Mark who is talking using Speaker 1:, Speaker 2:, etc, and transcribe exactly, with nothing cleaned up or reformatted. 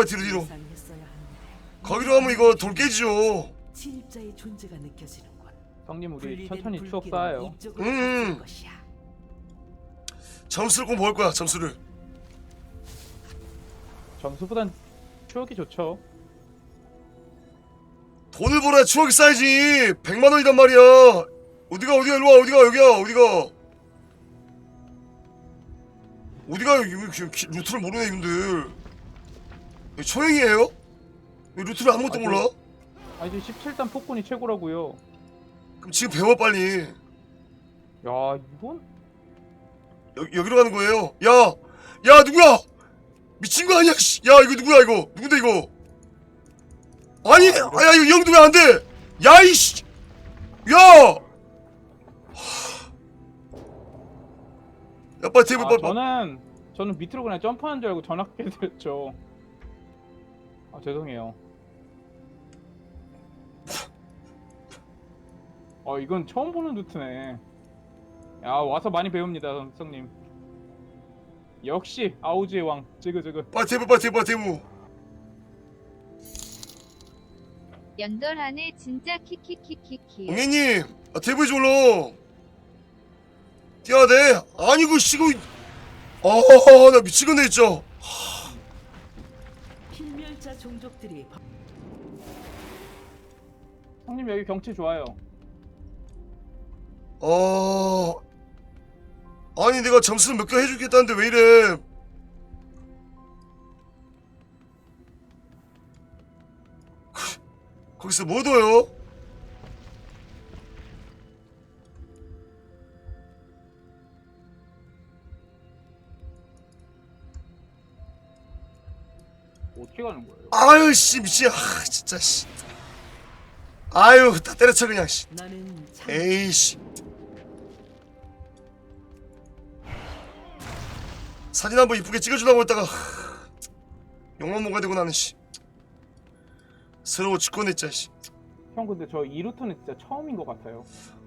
Speaker 1: 가요 뒤로 뒤로. 거기로 가면 이거 돌 깨지죠.
Speaker 2: 침입자의 존재가 느껴지는군.
Speaker 3: 형님 우리
Speaker 2: 분리된
Speaker 3: 천천히 추억
Speaker 2: 불길은
Speaker 3: 쌓아요.
Speaker 2: 이쪽으로
Speaker 1: 음.
Speaker 2: 갈 것이야.
Speaker 1: 점수를 꼭 먹을 거야 점수를.
Speaker 3: 점수보단 추억이 좋죠.
Speaker 1: 돈을 벌어야 추억이 쌓이지. 백만 원이란 말이야. 어디가 어디가 일로 와 어디가 여기야 어디가. 어디가 여기 루트를 모르네 님들. 초행이에요? 루트를 아무것도
Speaker 3: 아니,
Speaker 1: 몰라?
Speaker 3: 아 이제 십칠 단 폭군이 최고라고요.
Speaker 1: 그럼 지금 배워 빨리.
Speaker 3: 야 이건
Speaker 1: 여, 여기로 가는 거예요. 야! 야 누구야! 미친 거 아니야 씨. 야 이거 누구야 이거 누군데 이거. 아니 아, 야 이거 영도 왜 안 돼. 야 이씨. 야! 야 빨리 테이블
Speaker 3: 아,
Speaker 1: 빨리.
Speaker 3: 저는 저는 밑으로 그냥 점프하는 줄 알고 전화기 드렸죠. 아 죄송해요. 어 이건 처음 보는 루트네. 야 와서 많이 배웁니다 선생님. 역시 아우지의 왕 지그지그.
Speaker 1: 빨리 테이블 빨리 테이블 빨리 테이블.
Speaker 4: 연돌하네 진짜 키키키키키.
Speaker 1: 옹혜님 아 테이블 좀 올라. 뛰어야 돼. 아니 그 씨고. 아나 미치겠네 진짜.
Speaker 2: 필멸자 종족들이 바-
Speaker 3: 형님 여기 경치 좋아요.
Speaker 1: 어... 아니 내가 점수를 몇 개 해주겠다는데 왜 이래. 거기서 뭐 둬요?
Speaker 3: 어떻게 가는 거예요?
Speaker 1: 아유 씨 미친. 아 진짜 씨. 아유 다 때려쳐 그냥 씨.
Speaker 2: 나는 참
Speaker 1: 에이씨. 사진 한번 이쁘게 찍어주려고 했다가 욕만 먹어야 되고 나는 씨. 서러워 죽겠네 진짜 씨.
Speaker 3: 형 근데 저 이 루트는 진짜 처음인 것 같아요.